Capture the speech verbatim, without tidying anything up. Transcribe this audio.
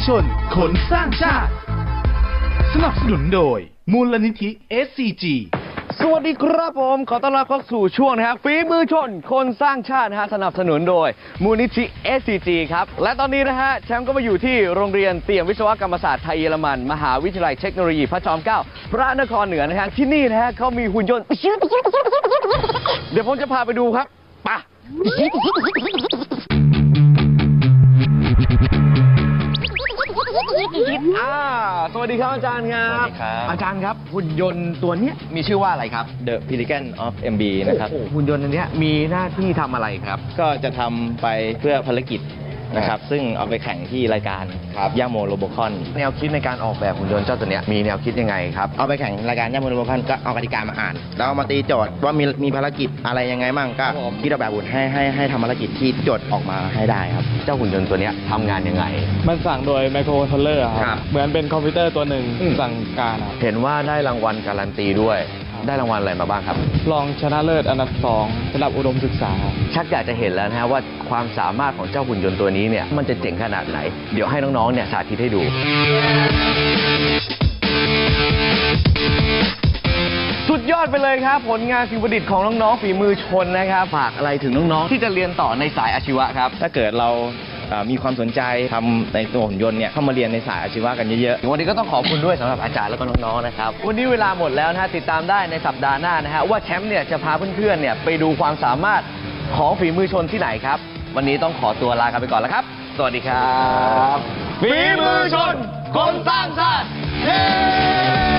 ชนคนสร้างชาติสนับสนุนโดยมูลนิธิ เอส ซี จีสวัสดีครับผมขอต้อนรับเข้าสู่ช่วงนะครับฝีมือชนคนสร้างชาตินะฮะสนับสนุนโดยมูลนิธิ เอส ซี จี ครับและตอนนี้นะฮะแชมป์ก็มาอยู่ที่โรงเรียนเตรียมวิศวกรรมศาสตร์ไทยเยอรมันมหาวิทยาลัยเทคโนโลยีพระจอมเกล้าพระนครเหนือนะฮะที่นี่นะฮะเขามีหุ่นยนต์เดี๋ยวผมจะพาไปดูครับไปอ่าสวัสดีครับอาจารย์ครับสวัสดีครับอาจารย์ครับหุ่นยนต์ตัวนี้มีชื่อว่าอะไรครับ The Pelican of เอ็ม บี นะครับโอ้โหหุ่นยนต์อันนี้มีหน้าที่ทำอะไรครับก็จะทำไปเพื่อภารกิจนะครับ ซึ่งเอาไปแข่งที่รายการย่าโมโรโบคอนแนวคิดในการออกแบบหุ่นยนต์เจ้าตัวเนี้ยมีแนวคิดยังไงครับเอาไปแข่งรายการย่าโมโรโบคอนก็เอากติกามาอ่าน แล้วเอามาตีโจทย์ว่ามีมีภารกิจอะไรยังไงมั่งก็ครับผมคิดออกแบบหุ่นให้ให้ให้ทำภารกิจที่โจทย์ออกมาให้ได้ครับเจ้าหุ่นยนต์ตัวเนี้ยทำงานยังไงมันสั่งโดยไมโครคอนโทรลเลอร์คครัรับ บ เหมือนเป็นคอมพิวเตอร์ตัวหนึ่งอืมสั่งการครับเห็นว่าได้รางวัลการันตีด้วย ได้รางวัลอะไรมาบ้างครับรองชนะเลิศอันดับสองสำหรับอุดมศึกษาครับชักอยากจะเห็นแล้วนะฮะว่าความสามารถของเจ้าหุ่นยนต์ตัวนี้เนี่ยมันจะเจ๋งขนาดไหน เดี๋ยวให้น้องๆเนี่ยสาธิตให้ดู สุดยอดไปเลยครับ ผลงานสิ่งประดิษฐ์ของน้องๆฝีมือชนนะครับฝากอะไรถึงน้องๆที่จะเรียนต่อในสายอาชีวะครับถ้าเกิดเราเอ่อมีความสนใจทำในตัวหุ่นยนต์เนี่ยเข้ามาเรียนในสายอาชีวะกันเยอะๆวันนี้ก็ต้องขอบคุณด้วยสำหรับอาจารย์และก็น้องๆนะครับวันนี้เวลาหมดแล้วนะฮะติดตามได้ในสัปดาห์หน้านะฮะว่าแชมป์เนี่ยจะพาเพื่อนๆเนี่ยไปดูความสามารถของฝีมือชนที่ไหนครับวันนี้ต้องขอตัวลากันไปก่อนแล้วครับสวัสดีครับฝีมือชนคนสร้างชาติเย้